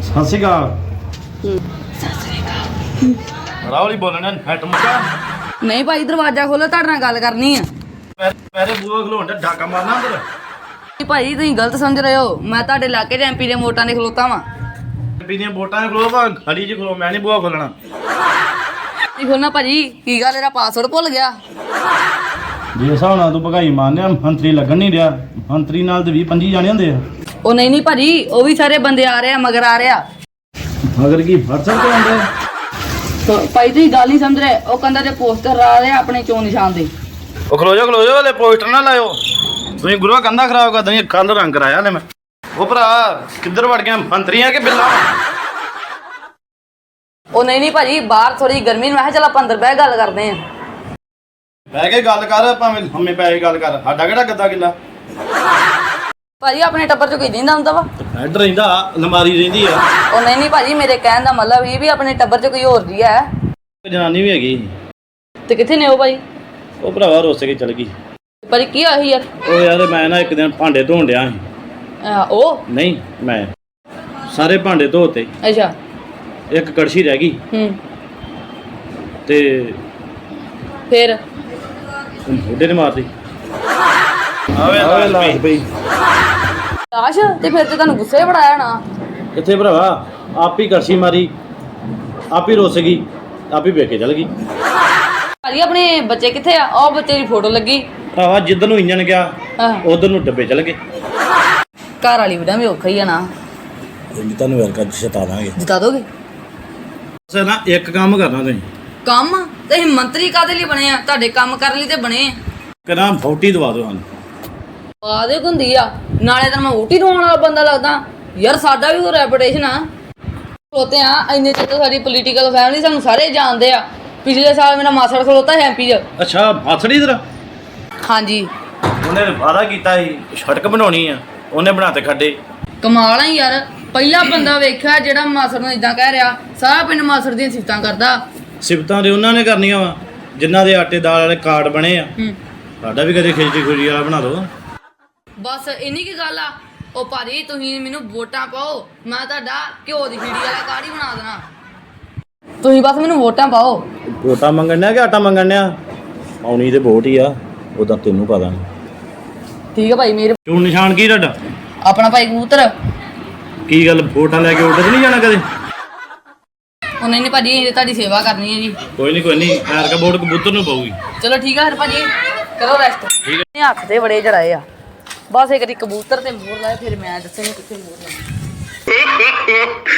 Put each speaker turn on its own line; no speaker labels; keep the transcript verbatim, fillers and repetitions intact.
ਸਤਿ ਸ਼੍ਰੀ ਅਕਾਲ।
ਸਤਿ ਸ੍ਰੀ ਅਕਾਲ।
ਰਾਵਲੀ ਬੋਲਣਾ ਨੈਟ ਮੁੱਕਾ।
ਨਹੀਂ ਭਾਈ ਦਰਵਾਜ਼ਾ ਖੋਲੋ, ਤੁਹਾਡੇ ਨਾਲ ਗੱਲ ਕਰਨੀ ਆ।
ਪੈਰੇ ਬੂਆ ਖਲੋਣ ਦਾ ਡਾਕਾ ਮਾਰਨਾ ਅੰਦਰ।
ਭਾਈ ਤੁਸੀਂ ਗਲਤ ਸਮਝ ਰਹੇ ਹੋ। ਮੈਂ ਤੁਹਾਡੇ ਇਲਾਕੇ 'ਚ ਐਮਪੀ ਦੇ ਵੋਟਾਂ ਦੇ ਖਲੋਤਾ ਵਾਂ।
ਐਮਪੀ ਦੀਆਂ ਵੋਟਾਂ 'ਚ ਖਲੋ ਭਾਂ ਖੜੀ 'ਚ ਖਲੋ, ਮੈਂ ਨਹੀਂ ਬੂਆ ਖੋਲਣਾ।
ਕੀ ਖੋਲਣਾ ਭਾਜੀ? ਕੀ ਗੱਲ, ਇਹਦਾ ਪਾਸਵਰਡ ਭੁੱਲ ਗਿਆ?
ਜੇ ਹਿਸਾਬ ਨਾਲ ਤੂੰ ਭਗਾਈ ਮਾਰਨਿਆ ਮੰਤਰੀ ਲੱਗਣ ਨਹੀਂ ਰਿਹਾ। ਮੰਤਰੀ ਨਾਲ ਤੇ ਵੀਹ ਪੰਜੀ ਜਾਣੇ ਹੁੰਦੇ ਆ।
ਉਹ ਨਹੀਂ ਨਹੀਂ ਭਾਜੀ, ਉਹ ਵੀ ਸਾਰੇ ਬੰਦੇ ਆ ਰਹੇ ਆ, ਮਗਰ ਆ ਰਹੇ ਆ।
ਮਗਰ ਕੀ ਵਟਸਐਪ ਤੇ ਆਉਂਦੇ?
ਭਾਈ ਤੁਸੀਂ ਗੱਲ ਨਹੀਂ ਸਮਝ ਰਹੇ। ਉਹ ਕਹਿੰਦਾ ਤੇ ਪੋਸਟਰ ਆ ਰਹੇ ਆ ਆਪਣੇ ਚੋਣ ਨਿਸ਼ਾਨ ਦੇ।
ਉਹ ਖਲੋ ਜਾ ਖਲੋ ਜਾ, ਹਲੇ ਪੋਸਟਰ ਨਾ ਲਾਇਓ। ਤੁਸੀਂ ਗੁਰੂਆ ਕੰਧਾ ਖਰਾਬ ਕਰ ਦਣੀ। ਕੱਲ ਰੰਗ ਕਰਾਇਆ ਹਲੇ ਮੈਂ। ਉਹ ਭਰਾ ਕਿੱਧਰ ਵੜ ਗਿਆ, ਮੰਤਰੀ ਆ ਕਿ ਬਿੱਲਾ?
ਉਹ ਨਹੀਂ ਨਹੀਂ ਭਾਜੀ, ਬਾਹਰ ਥੋੜੀ ਗਰਮੀ ਨੂੰ, ਮੈਂ ਕਿਹਾ ਚੱਲ ਆਪਾਂ ਅੰਦਰ ਬਹਿ ਗੱਲ ਕਰਦੇ ਆ।
ਬਹਿ ਕੇ ਗੱਲ ਕਰ, ਭਾਵੇਂ ਹਮੇ ਪੈ ਕੇ ਗੱਲ ਕਰ। ਸਾਡਾ ਕਿਹੜਾ ਗੱਦਾ ਕਿੱਲਾ?
ਭਾਜੀ ਆਪਣੇ ਟੱਬਰ 'ਚ ਕੋਈ ਦਿੰਦਾ ਹੁੰਦਾ ਵਾ?
ਹੈਡ ਰਹਿੰਦਾ, ਅਲਮਾਰੀ ਰਹਿੰਦੀ ਆ।
ਉਹ ਨਹੀਂ ਨਹੀਂ ਭਾਜੀ, ਮੇਰੇ ਕਹਿਣ ਦਾ ਮਤਲਬ ਇਹ ਵੀ ਆਪਣੇ ਟੱਬਰ 'ਚ ਕੋਈ ਹੋਰ ਜੀ ਹੈ।
ਜਨਾਨੀ ਵੀ ਹੈਗੀ।
ਤੇ ਕਿੱਥੇ ਨੇ ਉਹ ਭਾਈ?
ਉਹ ਭਰਾਵਾ ਰੁੱਸ ਕੇ ਚਲ ਗਈ।
ਭਾਜੀ ਕੀ ਹੋਇਆ ਸੀ ਯਾਰ?
ਉਹ ਯਾਰ ਮੈਂ ਨਾ ਇੱਕ ਦਿਨ ਭਾਂਡੇ ਧੋਣ ਡਿਆ ਸੀ।
ਅਹ ਉਹ
ਨਹੀਂ ਮੈਂ ਸਾਰੇ ਭਾਂਡੇ ਧੋਤੇ,
ਅੱਛਾ।
ਇੱਕ ਕੜਛੀ ਰਹਿ ਗਈ
ਹੂੰ।
ਤੇ
ਫਿਰ
ਬੁੱਢੇ ਨੇ ਮਾਰਤੀ। ਆਵੇ ਆਵੇ ਲਾਸ਼ ਪਈ।
ਲਾਸ਼? ਤੇ ਫਿਰ ਤੇ ਤੁਹਾਨੂੰ ਗੁੱਸੇ ਬੜਾਇਆ ਨਾ।
ਕਿੱਥੇ ਭਰਾਵਾ, ਆਪ ਹੀ ਕੜਛੀ ਮਾਰੀ, ਆਪ ਹੀ ਰੁੱਸ ਗਈ, ਆਪ ਹੀ ਵੇਖ ਕੇ ਚਲ ਗਈ।
ਭਾਜੀ ਆਪਣੇ ਬੱਚੇ ਕਿੱਥੇ ਆ? ਉਹ ਬੱਚੇ ਦੀ ਫੋਟੋ ਲੱਗੀ।
ਭਰਾਵਾ ਜਿੱਧਰ ਨੂੰ ਇੰਜਣ ਗਿਆ
ਹਾਂ।
ਉਧਰ ਨੂੰ ਡੱਬੇ ਚਲ ਗਏ।
ਘਰ ਵਾਲੀ ਵੀਡਾ ਵੀ ਔਖਾ ਹੀ ਆ ਨਾ।
ਤੁਹਾਨੂੰ ਵੈਲ ਕਰ ਜਿਤਾ ਦਾਂਗੇ।
ਜਿਤਾ ਦੋਗੇ?
ਸਰ ਨਾ ਇੱਕ ਕੰਮ ਕਰਨਾ ਤੁਸੀਂ।
ਕੰਮ? ਤੇ ਅਸੀਂ ਮੰਤਰੀ ਕਾਹਦੇ ਲਈ ਬਣੇ ਆ? ਤੁਹਾਡੇ ਕੰਮ ਕਰਨ ਲਈ ਤੇ ਬਣੇ ਆ।
ਕਰਾਂ ਫੌਟੀ ਦਵਾ ਦਿਓ ਸਾਨੂੰ।
ਆਦੇ ਹੁੰਦੀ ਆ ਨਾਲੇ ਤਾਂ ਮੈਂ ਊਟੀ ਦਵਾਉਣ ਵਾਲਾ ਬੰਦਾ ਲੱਗਦਾ ਯਾਰ। ਸਾਡਾ ਵੀ ਕੋਈ ਰੈਪੂਟੇਸ਼ਨ ਆ। ਖਲੋਤੇ ਆ ਇੰਨੇ ਚਿਰ ਤੋਂ ਸਾਡੀ ਪੋਲੀਟੀਕਲ ਫੈਮਿਲੀ ਸਾਨੂੰ ਸਾਰੇ ਜਾਣਦੇ ਆ। ਪਿਛਲੇ ਸਾਲ ਮੇਰਾ ਮਾਸੜ ਖਲੋਤਾ ਹੈ ਐਮਪੀ 'ਚ।
ਅੱਛਾ ਮਾਸੜੀ ਤੇਰਾ?
ਹਾਂਜੀ।
ਉਹਨੇ ਵਾਅਦਾ ਕੀਤਾ ਸੀ ਸੜਕ ਬਣਾਉਣੀ ਆ, ਉਹਨੇ ਬਣਾ ਤੇ ਖੱਡੇ।
ਕਮਾਲ ਆ ਯਾਰ, ਪਹਿਲਾ ਬੰਦਾ ਵੇਖਿਆ ਜਿਹੜਾ ਮਾਸੜ ਨੂੰ ਇਦਾਂ ਕਹਿ ਰਿਹਾ। ਸਾਰਾ ਪਿੰਡ ਮਾਸੜ ਦੀਆਂ ਸਿਫਤਾਂ ਕਰਦਾ।
ਸਿਫਤਾਂ ਦੇ ਉਹਨਾਂ ਨੇ ਕਰਨੀਆਂ ਵਾ ਜਿਨ੍ਹਾਂ ਦੇ ਆਟੇ ਦਾਲ ਵਾਲੇ ਕਾਰਡ ਬਣੇ ਆ।
ਹੂੰ।
ਸਾਡਾ ਵੀ ਕਦੇ ਖਿਚੜੀ ਖੁਰੀ ਵਾਲਾ ਬਣਾ ਦਿਓ।
ਬਸ ਇੰਨੀ ਕੀ ਗੱਲ ਆ। ਉਹ ਭਾਜੀ ਤੁਸੀਂ ਮੈਨੂੰ ਵੋਟਾਂ ਪਾਓ, ਮੈਂ ਤੁਹਾਡਾ ਘਿਓ ਦੀ ਖੀੜੀ ਵਾਲਾ ਕਾਰਡ ਹੀ ਬਣਾ ਦੇਣਾ। ਤੁਸੀਂ ਬਸ ਮੈਨੂੰ ਵੋਟਾਂ ਪਾਓ।
ਵੋਟਾਂ ਮੰਗਣ ਡਿਆ ਕਿ ਆਟਾ ਮੰਗਣ ਡਿਆ? ਆਉਣੀ ਤੇ ਵੋਟ ਹੀ ਆ, ਉਹਦਾ ਤੈਨੂੰ ਪਤਾ ਨਹੀਂ।
ਠੀਕ ਆ ਭਾਈ ਮੇਰੇ।
ਚੋਣ ਨਿਸ਼ਾਨ ਕੀ ਤੁਹਾਡਾ?
ਆਪਣਾ ਭਾਈ ਕਬੂਤਰ।
ਕੀ ਗੱਲ ਵੋਟਾਂ ਲੈ ਕੇ ਉੱਧਰ ਨਹੀਂ ਜਾਣਾ ਕਦੇ?
ਉਹ ਨਹੀਂ ਨਹੀਂ ਭਾਜੀ, ਇਹ ਤੁਹਾਡੀ ਸੇਵਾ ਕਰਨੀ ਹੈ ਜੀ।
ਕੋਈ ਨਹੀਂ ਕੋਈ ਨਹੀਂ, ਐਰ ਕਾ ਵੋਟ ਕਬੂਤਰ ਨੂੰ ਪਾਊਗੀ।
ਚਲੋ ਠੀਕ ਆ ਫਿਰ ਭਾਜੀ, ਕਰੋ ਰੈਸਟ।
ਠੀਕ
ਹੈ। ਹੱਥ ਤੇ ਬੜੇ ਜੜਾਏ ਆ। ਬਸ ਇੱਕ ਵਾਰੀ ਕਬੂਤਰ ਤੇ ਮੋਰ ਲਾਏ, ਫਿਰ ਮੈਂ ਦੱਸਾਂਗੀ ਕਿੱਥੇ ਮੋਰ ਲਾਏ।